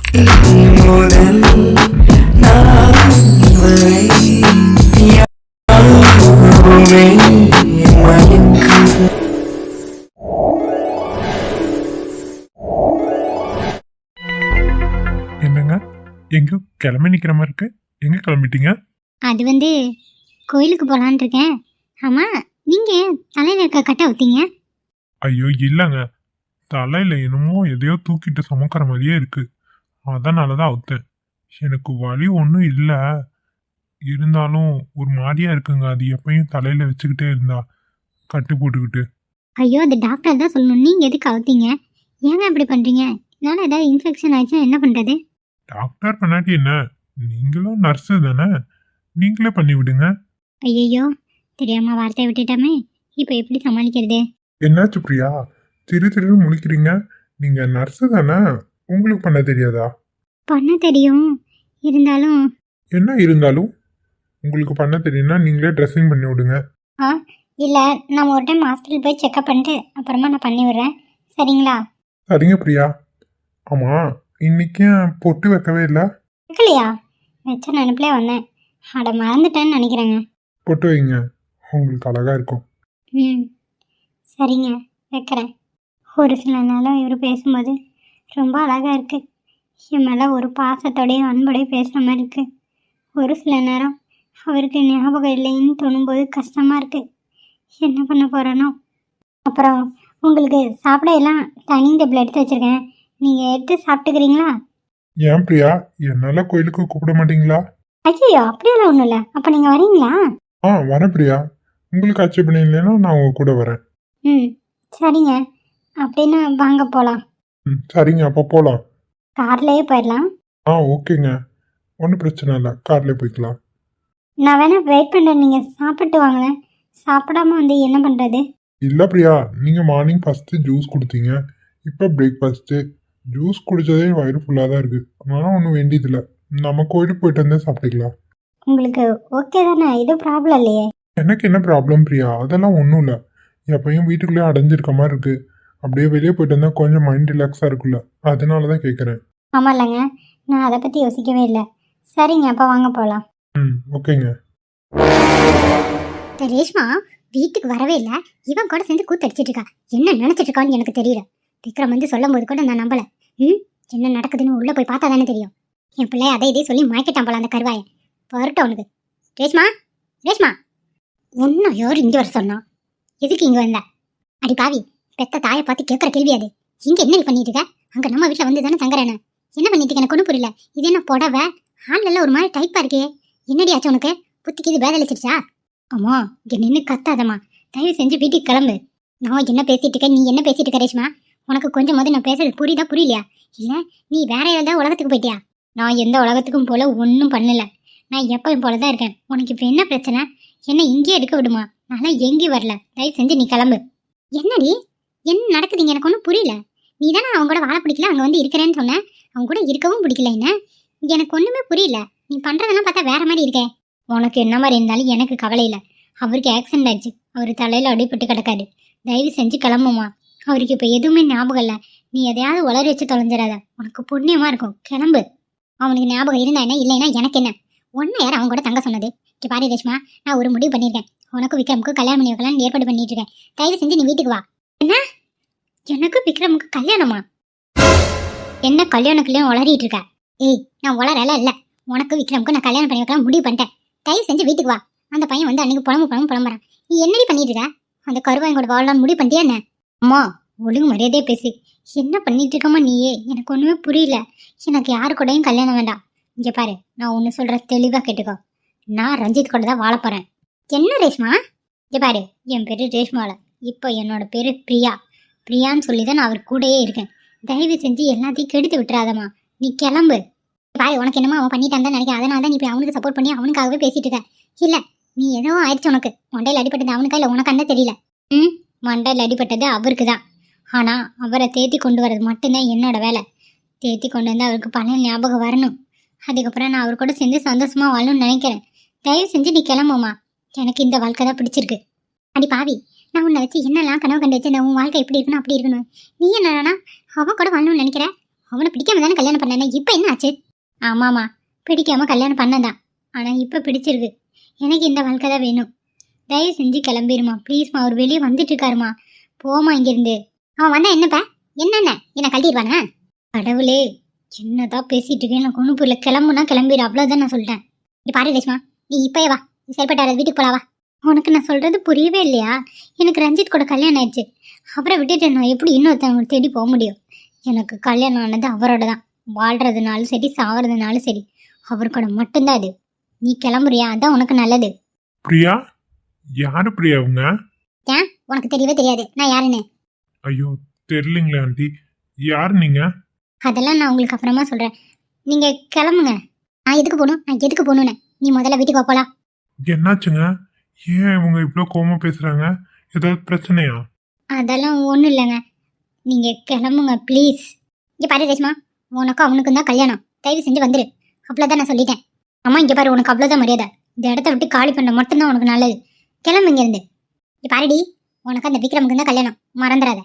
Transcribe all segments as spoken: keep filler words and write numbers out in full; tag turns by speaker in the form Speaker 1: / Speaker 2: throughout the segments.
Speaker 1: முதல் நான் வரை யாருமே மயக்கம்.
Speaker 2: என்னங்க எங்க கிளம்பி நிக்கிற மாதிரி இருக்கு? எங்க கிளம்பிட்டீங்க?
Speaker 3: அது வந்து கோயிலுக்கு போகலான் இருக்கேன். ஆமாம், நீங்கள் தலையில் இருக்க கட்டை ஊற்றிங்க.
Speaker 2: ஐயோ இல்லைங்க, தலையில என்னமோ எதையோ தூக்கிட்டு சுமக்கிற மாதிரியே இருக்கு. அதனாலதான் அவுத்தேன். எனக்கு வலி ஒன்றும் இல்லை, இருந்தாலும் ஒரு மாதிரியா இருக்குங்க. அது எப்பயும் தலையில வச்சுக்கிட்டே இருந்தா கட்டு போட்டுக்கிட்டு.
Speaker 3: ஐயோ, அது டாக்டர் தான் சொல்லணும். நீங்கள் எதுக்கு அவுத்தீங்க? ஏங்க இப்படி பண்ணுறீங்க? இதனால் ஏதாவது இன்ஃபெக்ஷன் ஆயிடுச்சுன்னா என்ன பண்ணுறது?
Speaker 2: டாக்டர் பண்ணாட்டி என்ன, நீங்களும் நர்ஸு தானே, நீங்களே பண்ணி விடுங்க.
Speaker 3: ஐயோ, தெரியாமல் வார்த்தையை விட்டுட்டோமே, இப்போ எப்படி சமாளிக்கிறது?
Speaker 2: என்னாச்சு பிரியா, திரு திருன்னு முழிக்கிறீங்க? நீங்க நர்ஸு தானே, உங்களுக்கு பண்ண தெரியாதா?
Speaker 3: பண்ண தெரியும், இருந்தாலும்.
Speaker 2: என்ன இருந்தாலும்? உங்களுக்கு பண்ண தெரியும்னா நீங்களே ட்ரெஸ்ஸிங் பண்ணி விடுங்க.
Speaker 3: ஆ இல்லை, நான் ஒரு டைம் ஹாஸ்பிட்டல் போய் செக்அப் பண்ணிட்டு அப்புறமா நான் பண்ணி விடுறேன், சரிங்களா?
Speaker 2: சரிங்க பிரியா. ஆமா, இன்னைக்கு பொட்டு வைக்கவே இல்லை?
Speaker 3: வைக்கலையா? வச்ச நினைப்பிலே வந்தேன், அட மறந்துட்டேன்னு நினைக்கிறேங்க.
Speaker 2: பொட்டு வைங்க, உங்களுக்கு அழகா இருக்கும்.
Speaker 3: ம் சரிங்க, வைக்கிறேன். ஒரு சில நேரம் இவர் பேசும்போது ரொம்ப அழகாக இருக்குது. என் மேலே ஒரு பாசத்தோடையும் அன்போடையும் பேசுகிற மாதிரி இருக்குது. ஒரு சில நேரம் அவருக்கு ஞாபகம் இல்லைன்னு தோணும்போது கஷ்டமாக இருக்குது. என்ன பண்ண போகிறேனோ. அப்புறம் உங்களுக்கு சாப்பிட எல்லாம் டைனிங் டேபிள் எடுத்து வச்சுருக்கேன், நீங்கள் எடுத்து சாப்பிட்டுக்கிறீங்களா?
Speaker 2: ஏன் பிரியா, என்னால கோயிலுக்கு கூப்பிட மாட்டீங்களா?
Speaker 3: ஐயோ, அப்படியெல்லாம் ஒன்றும் இல்லை. அப்போ நீங்கள் வரீங்களா?
Speaker 2: ஆ வரேன் பிரியா, உங்களுக்கு ஆட்சேபணம் இல்லைன்னா நான் உங்க கூட வரேன்.
Speaker 3: ம் சரிங்க, அப்படின்னு வாங்க போகலாம்.
Speaker 2: ம் சரிங்க, அப்போ போகலாம்.
Speaker 3: கார்லேயே போயிடலாம்.
Speaker 2: ஆ ஓகேங்க, ஒன்றும் பிரச்சனை இல்லை, கார்லேயே போய்க்கலாம்.
Speaker 3: நான் வேணா வெயிட் பண்ணுறேன், நீங்கள் சாப்பிட்டு வாங்களேன். சாப்பிடாம வந்து என்ன பண்ணுறது?
Speaker 2: இல்லை பிரியா, நீங்கள் மார்னிங் ஃபஸ்ட்டு ஜூஸ் கொடுத்தீங்க, இப்போ பிரேக்ஃபாஸ்ட்டு. ஜூஸ் குடித்ததே வயிறு ஃபுல்லாக தான் இருக்குது, அதனால ஒன்றும் வேண்டியதில்லை. நம்ம கோயிலுக்கு போயிட்டு வந்தே சாப்பிட்டுக்கலாம்.
Speaker 3: உங்களுக்கு ஓகே தானே? எதுவும் ப்ராப்ளம் இல்லையே?
Speaker 2: எனக்கு என்ன ப்ராப்ளம் பிரியா, அதெல்லாம் ஒன்றும் இல்லை. எப்பயும் வீட்டுக்குள்ளேயே அடைஞ்சிருக்க மாதிரி இருக்குது, அப்படியே வெளியே போயிட்டு வந்தால் கொஞ்சம் மைண்ட் ரிலாக்ஸாக இருக்குல்ல, அதனால தான் கேட்குறேன்.
Speaker 3: ஆமாம் இல்லைங்க, நான் அதை பற்றி யோசிக்கவே இல்லை. சரிங்க, அப்போ வாங்க போகலாம்.
Speaker 2: ம் ஓகேங்க.
Speaker 3: ரேஷ்மா வீட்டுக்கு வரவே இல்லை, இவன் கூட சேர்ந்து கூத்தடிச்சிட்டு இருக்கா. என்ன நினச்சிட்டு இருக்கான்னு எனக்கு தெரியல. விக்ரம் வந்து சொல்லும் போது கூட நான் நம்பலை. ம் என்ன நடக்குதுன்னு உள்ளே போய் பார்த்தா தானே தெரியும். என் பிள்ளை அதை இதே சொல்லி மாய்க்கிட்டான் போல அந்த கருவாயை. வரட்டும் அவனுக்கு. ரேஷ்மா, ரேஷ்மா, ஒன்றும் யார் இங்கே வர சொன்னா? எதுக்கு இங்கே வந்த? அடி பாவி, பெத்த தாயை பார்த்து கேட்குற கேள்வி அது. இங்கே என்ன பண்ணிட்டு இருக்க? அங்கே நம்ம வீட்டில் வந்து தானே தங்குறேன்னு. என்ன பண்ணிட்டு இருக்க? எனக்கு ஒன்றும் புரியல. இது என்ன புடவை ஆள்ல ஒரு மாதிரி டைப்பாக இருக்கே, என்னடி ஆச்சு உனக்கு? புத்திக்கு இது வேதளிச்சிருச்சா? அம்மா இங்கே நின்று கத்தாதம்மா, தயவு செஞ்சு வீட்டுக்கு கிளம்பு. நான் என்ன பேசிட்டு இருக்கேன், நீ என்ன பேசிட்டு இருக்க ரேஷ்மா? உனக்கு கொஞ்சம் போது நான் பேசுறது புரியுதா புரியலையா? இல்லை நீ வேற ஏதாவது உலகத்துக்கு போயிட்டியா? நான் எந்த உலகத்துக்கும் போல ஒன்றும் பண்ணல, நான் எப்பவும் போல தான் இருக்கேன். உனக்கு இப்போ என்ன பிரச்சனை? என்ன இங்கேயே இருக்க விடுமா? நான் எங்கேயும் வரல, தயவு செஞ்சு நீ கிளம்பு. என்னடி என்ன நடக்குதுங்க? எனக்கு ஒன்றும் புரியல. நீ தானே அவங்க கூட வாழ பிடிக்கல, அங்கே வந்து இருக்கிறேன்னு சொன்னேன். அவங்க கூட இருக்கவும் பிடிக்கல. என்ன எனக்கு ஒன்றுமே புரியல. நீ பண்ணுறதெல்லாம் பார்த்தா வேற மாதிரி இருக்கே. உனக்கு என்ன மாதிரி இருந்தாலும் எனக்கு கவலை இல்லை. அவருக்கு ஆக்சிடென்ட் ஆயிடுச்சு, அவர் தலையில் அடிபட்டு கிடக்காரு. தயவு செஞ்சு கிளம்புமா. அவருக்கு இப்போ எதுவுமே ஞாபகம் இல்லை. நீ எதையாவது உளறி வச்சு தொலைஞ்சிடாத, உனக்கு புண்ணியமாக இருக்கும். கிளம்பு. அவனுக்கு ஞாபகம் இருந்தா என்ன, இல்லைன்னா எனக்கு என்ன? ஒன்றை யார் அவங்க கூட தங்க சொன்னது? இங்கே பாரு ரேஷ்மா, நான் ஒரு முடிவு பண்ணியிருக்கேன். உனக்கும் விக்ரமுக்கு கல்யாணம் பண்ணி வைக்கலாம்னு ஏற்பாடு பண்ணிட்டு இருக்கேன். தயவு செஞ்சு நீ வீட்டுக்கு வா. என்ன எனக்கு விக்ரமுக்கு கல்யாணமா? என்ன கல்யாணம் கல்யாணம் உளறிட்டு இருக்க? ஏய் நான் உளறல இல்லை, உனக்கு விக்ரமுக்கு நான் கல்யாணம் பண்ணி வைக்கலாம் முடிவு பண்ணிட்டேன். தயவு செஞ்சு வீட்டுக்கு வா. அந்த பையன் வந்து அன்னைக்கு புலம்பு புலம்பு புலம்புறான். நீ என்னடி பண்ணிட்டு இருக்க? அந்த கருவாயன் கூட வாழலாம்னு முடிவு பண்ணிட்டியா என்ன? அம்மா ஒழுங்கு மரியாதையே பேசி. என்ன பண்ணிட்டு இருக்கமா நீயே? எனக்கு ஒன்றுமே புரியல. எனக்கு யாரு கூடயும் கல்யாணம் வேண்டாம். இங்கே பாரு, நான் ஒன்று சொல்கிற தெளிவாக கேட்டுக்கோ. நான் ரஞ்சித் கூட தான் வாழ போகிறேன். என்ன ரேஷ்மா? இங்கே பாரு, என் பேர் ரேஷ்மாவில், இப்போ என்னோட பேர் பிரியா. பிரியான்னு சொல்லி தான் நான் அவர் கூடயே இருக்கேன். தயவு செஞ்சு எல்லாத்தையும் கெடுத்து விட்டுறாதம்மா, நீ கிளம்பு. பாரு, உனக்கு என்னமோ அவன் பண்ணிட்டான் தான் நினைக்கிறேன், அதனால தான் நீ இப்போ அவனுக்கு சப்போர்ட் பண்ணி அவனுக்காகவே பேசிட்டு இருக்க. இல்லை நீ ஏதோ ஆயிடுச்சு உனக்கு. மண்டையில் அடிப்பட்டது அவனுக்கா இல்லை உனக்கு தெரியல. ம் மண்டையில் அடிப்பட்டது அவருக்கு தான். ஆனால் அவரை தேத்தி கொண்டு வரது மட்டும்தான் என்னோட வேலை. தேத்தி கொண்டு வந்து அவருக்கு பழைய ஞாபகம் வரணும். அதுக்கப்புறம் நான் அவர் கூட சேர்ந்து சந்தோஷமாக வாழணும்னு நினைக்கிறேன். தயவு செஞ்சு நீ கிளம்புமா. எனக்கு இந்த வாழ்க்கை தான் பிடிச்சிருக்கு. அடி பாவி, நான் உன்னை வச்சு என்னெல்லாம் கனவு கண்டு வச்சு உன் வாழ்க்கை எப்படி இருக்கணும் அப்படி இருக்கணும். நீ என்னன்னா அவன் கூட வாழணும்னு நினைக்கிற? அவனை பிடிக்காம தானே கல்யாணம் பண்ணேன். இப்போ என்ன ஆச்சு? ஆமாம்மா, பிடிக்காம கல்யாணம் பண்ணதான். ஆனால் இப்போ பிடிச்சிருக்கு. எனக்கு இந்த வாழ்க்கை தான் வேணும். தயவு செஞ்சு கிளம்பிடுமா ப்ளீஸ்மா. அவர் வெளியே வந்துட்டு இருக்காருமா. போமா இங்கிருந்து. அவன் வந்தா என்னப்பா? என்னென்ன என்ன கழட்டிடுவானா? கடவுளே, என்னதான் பேசிட்டு இருக்கேன். எனக்கு ஒன்றும் புரியல. கிளம்புனா கிளம்பிடு, அவ்வளோதான் நான் சொல்லிட்டேன். நீ பாரு ரேஷ்மா, நீ இப்போயே வா. நீ செயல்பட்டார வீட்டுக்கு போலாவா? உனக்கு நான் சொல்றது புரியவே இல்லையா? எனக்கு ரஞ்சித் கூட கல்யாணம் ஆயிடுச்சு. அவரை விட்டுட்டு நான் எப்படி இன்னொருத்தவங்க தேடி போக முடியும்? எனக்கு கல்யாணம் ஆனது அவரோட தான். வாழ்றதுனாலும் சரி சாவறதுனாலும் சரி அவர் கூட மட்டும்தான் அது. நீ கிளம்புறியா? அதான் உனக்கு நல்லது.
Speaker 2: பிரியா? யாரு பிரியா அவங்க?
Speaker 3: ஏன் உனக்கு தெரியவே தெரியாது நான் யாருன்னு?
Speaker 2: ஐயோ, தெரியலீங்களே ஆண்டி. யாரு நீங்க?
Speaker 3: அதெல்லாம் நான் உங்களுக்கு அப்புறமா சொல்றேன். நீங்க கிளம்புங்க. நான் எதுக்கு போகணும்? நான் எதுக்கு போகணுன்னு நீ முதல்ல வீட்டுக்கு போகலாம்.
Speaker 2: என்னாச்சுங்க? ஏன் இவங்க இவ்வளோ கோவமா பேசுறாங்க? ஏதாவது பிரச்சனையா?
Speaker 3: அதெல்லாம் ஒன்றும் இல்லைங்க. நீங்க கிளம்புங்க ப்ளீஸ். இங்கே பாரு ரேஷ்மா, உனக்கும் அவனுக்கும் தான் கல்யாணம். தயவு செஞ்சு வந்துரு. அவ்வளோதான் நான் சொல்லிட்டேன். அம்மா இங்கே பாரு, உனக்கு அவ்வளோதான் மரியாதை. இந்த இடத்த விட்டு காலி பண்ண மட்டும்தான் உனக்கு நல்லது. கிளம்பு இங்க இருந்து. இங்கே பாருடி, உனக்கு அந்த விக்ரமுக்கு தான் கல்யாணம், மறந்துடாத.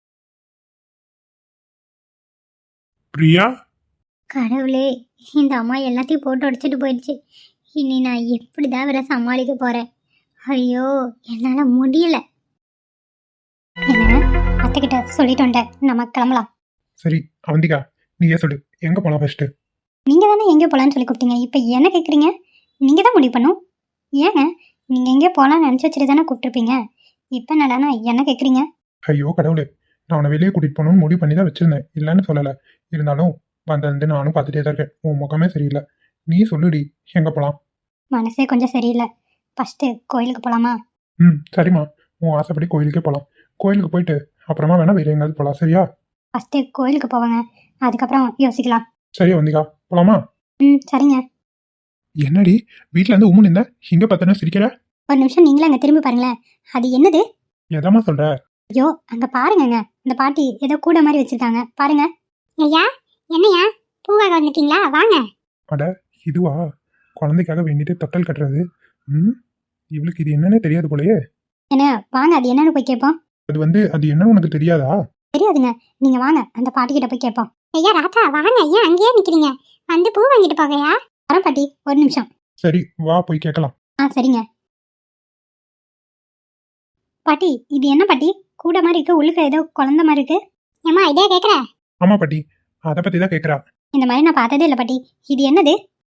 Speaker 2: பிரியா?
Speaker 3: கடவுளே, இந்த அம்மா எல்லாத்தையும் போட்டு உடைச்சிட்டு போயிடுச்சு. இனி நான் எப்படிதான் வேற சமாளிக்க போறேன்? ஐயோ, என்னால முடியல. என்ன அத்தை கிட்ட சொல்லிட்டு வந்துட்டேன், நம்ம கிளம்பலாம்.
Speaker 4: சரி அவந்திகா, நீயே சொல்லு, எங்க போலாம் ஃபர்ஸ்ட்?
Speaker 3: நீங்க தானே எங்கே போலான்னு சொல்லி கூப்பிட்டீங்க. இப்போ என்ன கேட்குறீங்க? நீங்க தான் முடிவு பண்ணும். ஏங்க நீங்க எங்கேயோ போலான்னு நினச்சி வச்சுட்டு தானே கூப்பிட்டுருப்பீங்க. இப்போ என்னடானா என்ன கேட்குறீங்க?
Speaker 4: ஐயோ கடவுளே, நான் உன்னை வெளியே கூட்டிட்டு போகணும்னு முடிவு பண்ணி தான் வச்சிருந்தேன், இல்லைன்னு சொல்லலை. இருந்தாலும் வந்து நானும் பார்த்துட்டே தான் இருக்கேன். உன் முகமே சரியில்லை. நீ சொல்லுடி, எங்க போலாம்?
Speaker 3: மனசே கொஞ்சம் சரியில்லை. ஃபர்ஸ்ட் கோயிலுக்கு போலாமா?
Speaker 4: ம் சரிம்மா, உன் ஆசைப்படி கோயிலுக்கே போகலாம். கோயிலுக்கு போயிட்டு அப்புறமா வேணா வேற எங்காவது போகலாம், சரியா?
Speaker 3: ஃபர்ஸ்ட் கோயிலுக்கு போவாங்க, அதுக்கப்புறம் யோசிக்கலாம்.
Speaker 4: சரி அவந்திகா, போலாமா?
Speaker 3: ம் சரிங்க.
Speaker 4: என்னடி வீட்டில் இருந்து உம்முன்னு இருந்த, இங்கே பார்த்தோன்னா சிரிக்கிற?
Speaker 3: ஒரு நிமிஷம் நீங்களும் அங்கே திரும்பி பாருங்களேன். அது என்னது?
Speaker 4: எதாம்மா சொல்ற?
Speaker 3: ஐயோ அங்கே பாருங்கங்க, அந்த பாட்டி ஏதோ கூட மாதிரி வச்சிருக்காங்க பாருங்க. ஐயா என்னையா பூவாக வந்துட்டீங்களா? வாங்க.
Speaker 4: அட இதுவா, குழந்தைக்காக வேண்டிட்டு தொட்டல் கட்டுறது. ம் இவளுக்கு இது என்னன்னே தெரியாது போலயே.
Speaker 3: என்ன வாங்க, அது என்னன்னு போய் கேட்போம்.
Speaker 4: அது வந்து அது என்னன்னு உனக்கு தெரியாதா?
Speaker 3: தெரியாதுங்க, நீங்க வாங்க அந்த பாட்டி கிட்ட போய் கேட்போம். ஐயா ராத்தா வாங்க, ஐயா அங்கேயே நிக்கிறீங்க, வந்து பூ வாங்கிட்டு போகையா? வரேன் பாட்டி, ஒரு நிமிஷம்.
Speaker 4: சரி வா போய் கேட்கலாம்.
Speaker 3: ஆ சரிங்க. பாட்டி இது என்ன பாட்டி கூட மாதிரி இருக்கு, உள்ளுக்க ஏதோ குழந்தை மாதிரி இருக்கு. ஏமா இதே கேக்குற?
Speaker 4: ஆமா பாட்டி, அதை பத்தி தான் கேட்கறா.
Speaker 3: இந்த மாதிரி நான் பார்த்ததே இல்லை பாட்டி. இது என்னது?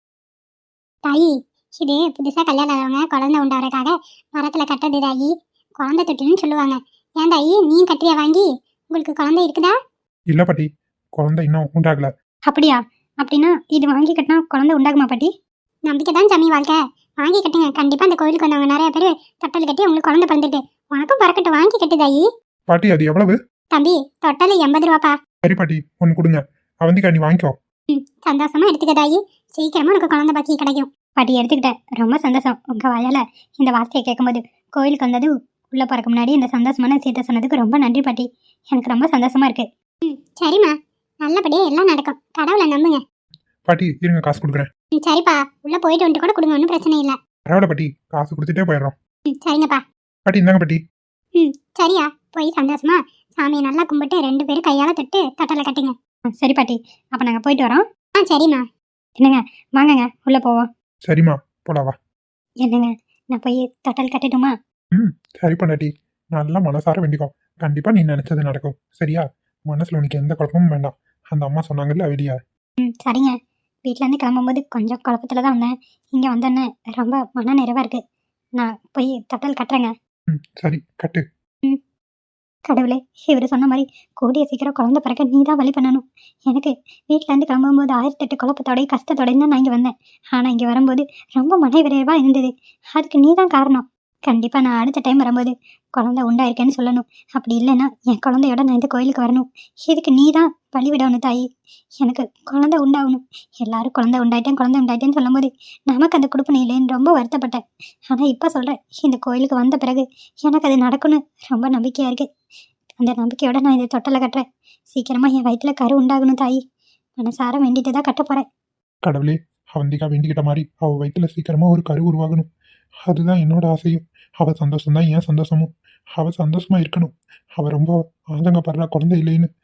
Speaker 3: தாயி இது புதுசா கல்யாணம் ஆனவங்க குழந்தை உண்டாகிறதுக்காக மரத்துல கட்டுறது தாயி. குழந்தை தொட்டின்னு சொல்லுவாங்க. ஏன் தாயி நீ கட்டியா வாங்கி? உங்களுக்கு குழந்தை இருக்குதா?
Speaker 4: இல்ல பாட்டி, குழந்தை இன்னும் உண்டாகல.
Speaker 3: அப்படியா? அப்படின்னா இது வாங்கி கட்டினா குழந்தை உண்டாகுமா பாட்டி? நம்பிக்கை தான் சாமி வாழ்க்கை. வாங்கி கட்டுங்க, கண்டிப்பா அந்த கோயிலுக்கு வந்தவங்க நிறைய பேர் தொட்டல் கட்டி உங்களுக்கு குழந்தை பிறந்துட்டு. உனக்கும் பறக்கட்டும், வாங்கி கட்டு தாயி.
Speaker 4: பாட்டி அது எவ்வளவு?
Speaker 3: தம்பி தொட்டல் எண்பது ரூபாப்பா.
Speaker 4: சரி பாட்டி, ஒன்னு கொடுங்க. அவந்திகா நீ வாங்கிக்கோ.
Speaker 3: ம் சந்தோஷமா எடுத்துக்க தாயி, சீக்கிரமா உனக்கு குழந்தை பாக்கி கிடைக்கும். பாட்டி எடுத்துக்கிட்டேன், ரொம்ப சந்தோஷம். உங்க வாயால இந்த வார்த்தையை கேட்கும்போது கோயிலுக்கு வந்தது உள்ள போறக்கு முன்னாடி இந்த சந்தோஷமான விஷயத்த சொன்னதுக்கு ரொம்ப நன்றி பாட்டி. எனக்கு ரொம்ப சந்தோஷமா இருக்கு. ம் சரிம்மா, நல்லபடியா எல்லாம் நடக்கும், கடவுளை நம்புங்க.
Speaker 4: பாட்டி இருங்க, காசு கொடுக்குறேன்.
Speaker 3: ம் சரிப்பா, உள்ள போயிட்டு வந்துட்டு கூட கொடுங்க, ஒன்றும் பிரச்சனை இல்லை.
Speaker 4: பரவாயில்ல பாட்டி, காசு கொடுத்துட்டே போயிடுறோம்.
Speaker 3: ம் சரிங்கப்பா.
Speaker 4: பாட்டி இந்தாங்க பாட்டி.
Speaker 3: ம் சரியா, போய் சந்தோஷமா சாமியை நல்லா கும்பிட்டு ரெண்டு பேரும் கையால தொட்டு தொட்டலை கட்டுங்க. சரி பாட்டி, அப்போ நாங்கள் போயிட்டு வரோம். ஆ சரிம்மா. என்னங்க வாங்கங்க உள்ள போவோம்.
Speaker 4: சரிம்மா போலாவா.
Speaker 3: என்னங்க நான் போய் தொட்டல் கட்டட்டுமா?
Speaker 4: ம் சரி பண்ணாட்டி, நல்லா மனசார வேண்டிக்கோ. கண்டிப்பா நீ நினைச்சது நடக்கும், சரியா? மனசுல உனக்கு எந்த குழப்பமும் வேண்டாம். அந்த அம்மா சொன்னாங்கல்ல வெளியா.
Speaker 3: ம் சரிங்க. வீட்டிலேருந்து கிளம்பும்போது கொஞ்சம் குழப்பத்தில் தான் வந்தேன். இங்கே வந்தோன்னே ரொம்ப மன நிறைவாக இருக்குது. நான் போய் தொட்டல் கட்டுறேங்க.
Speaker 4: ம் சரி கட்டு.
Speaker 3: ம் கடவுளே, இவர் சொன்ன மாதிரி கூடிய சீக்கிரம் குழந்தை பிறக்க நீ தான் வழி பண்ணணும். எனக்கு வீட்டிலேருந்து கிளம்பும்போது ஆயிரத்தெட்டு குழப்பத்தோடையும் கஷ்டத்தோடையும் தான் நான் இங்கே வந்தேன். ஆனால் இங்கே வரும்போது ரொம்ப மன விரைவாக இருந்தது. அதுக்கு நீ தான் காரணம். கண்டிப்பாக நான் அடுத்த டைம் வரும்போது குழந்தை உண்டாயிருக்கேன்னு சொல்லணும். அப்படி இல்லைன்னா என் குழந்தையோட நான் இந்த கோயிலுக்கு வரணும். இதுக்கு நீ தான் வழி விடணும் தாயி. எனக்கு குழந்தை உண்டாகணும். எல்லாரும் குழந்தை உண்டாயிட்டேன் குழந்தை உண்டாயிட்டேன்னு சொல்லும்போது நமக்கு அந்த கொடுப்பனை இல்லைன்னு ரொம்ப வருத்தப்பட்டேன். ஆனால் இப்போ சொல்கிறேன், இந்த கோயிலுக்கு வந்த பிறகு எனக்கு அது நடக்கும்னு ரொம்ப நம்பிக்கையாக இருக்குது. அந்த நம்பிக்கையோட நான் இதை தொட்டலை கட்டுறேன். சீக்கிரமாக என் வயிற்றில் கரு உண்டாகணும் தாயி. மனசார வேண்டிட்டு தான் கட்ட போகிறேன்.
Speaker 4: கடவுளே, அவந்திகா வேண்டிக்கிட்ட மாதிரி அவ வயிற்றுல சீக்கிரமா ஒரு கரு உருவாகணும். அதுதான் என்னோட ஆசையும். அவ சந்தோஷம்தான் என் சந்தோஷமும். அவ சந்தோஷமா இருக்கணும். அவ ரொம்ப ஆதங்கப்படுறா குழந்தை இல்லைன்னு.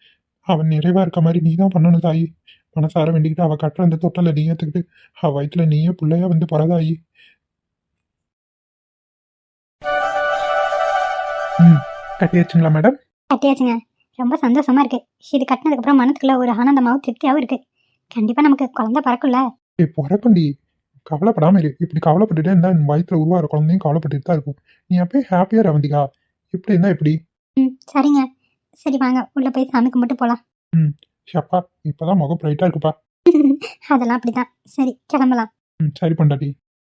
Speaker 4: அவன் நிறைவா இருக்க மாதிரி நீ தான் பண்ணணும் தாயி. மனசார வேண்டிக்கிட்டு அவ கட்டுற அந்த தொட்டலை நீ ஏத்துக்கிட்டு அவ வயிற்றுல நீயே பிள்ளையா வந்து பரதாயி. ம் கட்டியாச்சுங்களா மேடம்?
Speaker 3: கட்டியாச்சுங்க. ரொம்ப சந்தோஷமா இருக்கு. இது கட்டினதுக்கு அப்புறம் மனசுக்குள்ள ஒரு ஆனந்தமாவும் திருப்தியாவும் இருக்கு. கண்டிப்பா நமக்கு குழந்தை பிறக்கும்ல.
Speaker 4: ஏ பிறக்குண்டி, கவலைப்படாம இரு. இப்படி கவலைப்பட்டுட்டே இருந்தா என் வயிற்றுல உருவாகிற குழந்தையும் கவலைப்பட்டுட்டு தான் இருக்கும். நீ அப்பயே ஹாப்பியா ரவந்திகா. இப்படி இருந்தா எப்படி?
Speaker 3: ம் சரிங்க. சரி வாங்க உள்ள போய் சாமி கும்பிட்டு போலாம்.
Speaker 4: ம் ஷப்பா இப்பதான் முகம் பிரைட்டா இருக்குப்பா.
Speaker 3: அதெல்லாம் அப்படிதான். சரி கிளம்பலாம்.
Speaker 4: ம் சரி பொண்டாட்டி.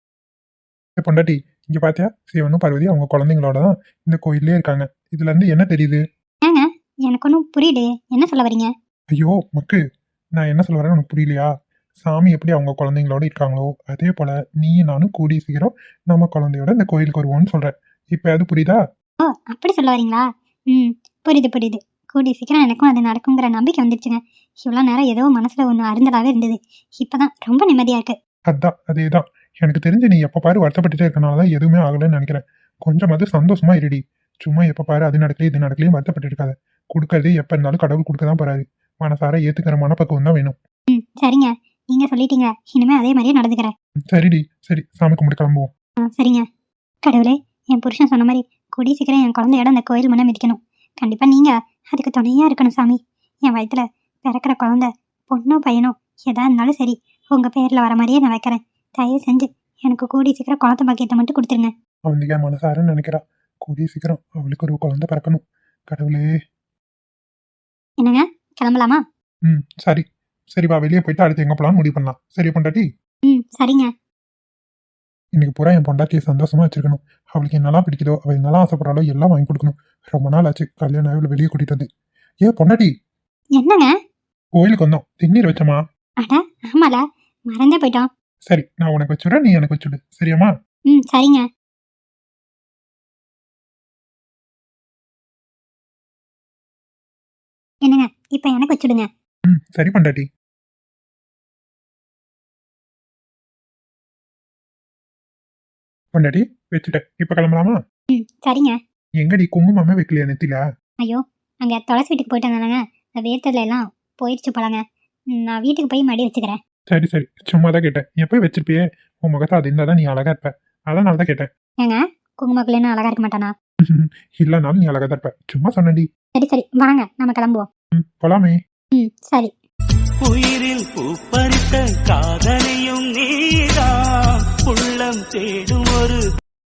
Speaker 4: ஏ பொண்டாட்டி, இங்க பாத்தியா சிவனும் பார்வதி அவங்க குழந்தைங்களோட தான் இந்த கோயிலே இருக்காங்க. இதுல இருந்து என்ன தெரியுது?
Speaker 3: ஏங்க எனக்கு ஒன்றும் புரியுது. என்ன சொல்ல வரீங்க?
Speaker 4: ஐயோ மக்கு, நான் என்ன சொல்ல வரேன்னு உனக்கு புரியலையா? சாமி எப்படி அவங்க குழந்தைங்களோட இருக்காங்களோ அதே போல நீ நானும் கூடி சீக்கிரம் நம்ம குழந்தையோட இந்த கோயிலுக்கு வருவோம்னு சொல்றேன். இப்ப அது புரியுதா?
Speaker 3: ஓ அப்படி சொல்ல வரீங்களா? ம் புரியுது புரியுது. கூடி சீக்கிரம் எனக்கும் அது நடக்குங்கிற நம்பிக்கை வந்துடுச்சுங்க. இவ்வளோ நேரம் ஏதோ மனசுல ஒன்று அருந்தலாவே இருந்தது. இப்பதான் ரொம்ப நிம்மதியா இருக்கு.
Speaker 4: அதான் அதேதான். எனக்கு தெரிஞ்சு நீ எப்ப பாரு வருத்தப்பட்டுட்டே இருக்கனாலதான் எதுவுமே ஆகலைன்னு நினைக்கிறேன். கொஞ்சமாவது சந்தோஷமா இருடி. சும்மா எப்ப பாரு அது நடக்கல இது நடக்கலையும் வருத்தப்பட்டு இருக்காத. கொடுக்கறது எப்ப இருந்தாலும் கடவுள் கொடுக்க தான் போறாரு. மனசார ஏத்துக்கிற மனப்பக்குவம் தான் வேணும்.
Speaker 3: ம் சரிங்க. நீங்க சொல்லிட்டீங்க. இனிமே அதே மாதிரியே நடந்துக்கிறேன்.
Speaker 4: சரிடி சரி, சாமி கும்பிட்டு கிளம்புவோம்.
Speaker 3: ஆ சரிங்க. கடவுளே, என் புருஷன் சொன்ன மாதிரி கூடி சீக்கிரம் என் குழந்தையோட அந்த கோயில் முன்ன மிதிக்கணும். கண்டிப்பா நீங்க அதுக்கு துணையா இருக்கணும் சாமி. என் வயித்துல பிறக்கிற குழந்தை பொண்ணோ பையனோ எதா இருந்தாலும் சரி உங்க பேர்ல வர மாதிரியே நான் வைக்கிறேன். தயவு செஞ்சு எனக்கு கூடி சீக்கிரம் குழந்தை பாக்கியத்தை மட்டும் கொடுத்துருங்க.
Speaker 4: அவந்திகா மனசாரன்னு நினைக்கிறா. கூடிய சீக்கிரம் அவளுக்கு ஒரு குழந்தை பிறக்கணும். கடவுளே.
Speaker 3: என்னங்க கிளம்பலாமா?
Speaker 4: ம் சரி சரி வா, வெளியே போயிட்டு அடுத்து எங்க போலாம்னு முடிவு பண்ணலாம். சரி பொண்டாட்டி?
Speaker 3: ம் சரிங்க.
Speaker 4: இன்னைக்கு பூரா என் பொண்டாட்டியை சந்தோஷமா வச்சிருக்கணும். அவளுக்கு என்னெல்லாம் பிடிக்குதோ அவள் என்னெல்லாம் ஆசைப்படுறாளோ எல்லாம் வாங்கி கொடுக்கணும். ரொம்ப நாள் ஆச்சு கல்யாணம் ஆகி வெளியே கூட்டிட்டு வந்து. ஏன் பொண்டாட்டி,
Speaker 3: என்னங்க?
Speaker 4: கோயிலுக்கு வந்தோம், திண்ணீர் வச்சோமா?
Speaker 3: அட ஆமால, மறந்தே போயிட்டோம்.
Speaker 4: சரி நான் உனக்கு வச்சுடுறேன், நீ எனக்கு வச்சுடு. சரியாம்மா?
Speaker 3: ம் சரிங்க. என்னங்க இப்ப எனக்கு வச்சுடுங்க.
Speaker 4: ம் சரி பொண்டாட்டி. பொண்டாட்டி வச்சுட்டேன். இப்ப கிளம்பலாமா?
Speaker 3: ம் சரிங்க.
Speaker 4: எங்கடி குங்குமமே வைக்கலையா நெத்தில?
Speaker 3: ஐயோ அங்க துளசி வீட்டுக்கு போயிட்டு வந்தானங்க. அந்த வேர்த்ததுல எல்லாம் போயிடுச்சு போலங்க. நான் வீட்டுக்கு போய் மடி வச்சுக்கிறேன்.
Speaker 4: சரி சரி சும்மா தான் கேட்டேன். எப்போ வச்சிருப்பியே உன் முகத்தை அது இருந்தால் தான் நீ அழகா இருப்ப. அதனால தான் கேட்டேன்.
Speaker 3: ஏங்க குங்குமக்குள்ளேன்னு அழகா இருக்க மாட்டானா?
Speaker 4: இல்லைனாலும் நீ அழகா தான் இருப்ப. சும்மா சொன்னடி.
Speaker 3: சரி சரி வாங்க நம்ம கிளம்புவோம்.
Speaker 4: ம் போலாமே.
Speaker 3: ம் சரி.
Speaker 1: உயிரில் பூப்பறித்த காதலியும் நீதான் உள்ளம் தேடும் ஒரு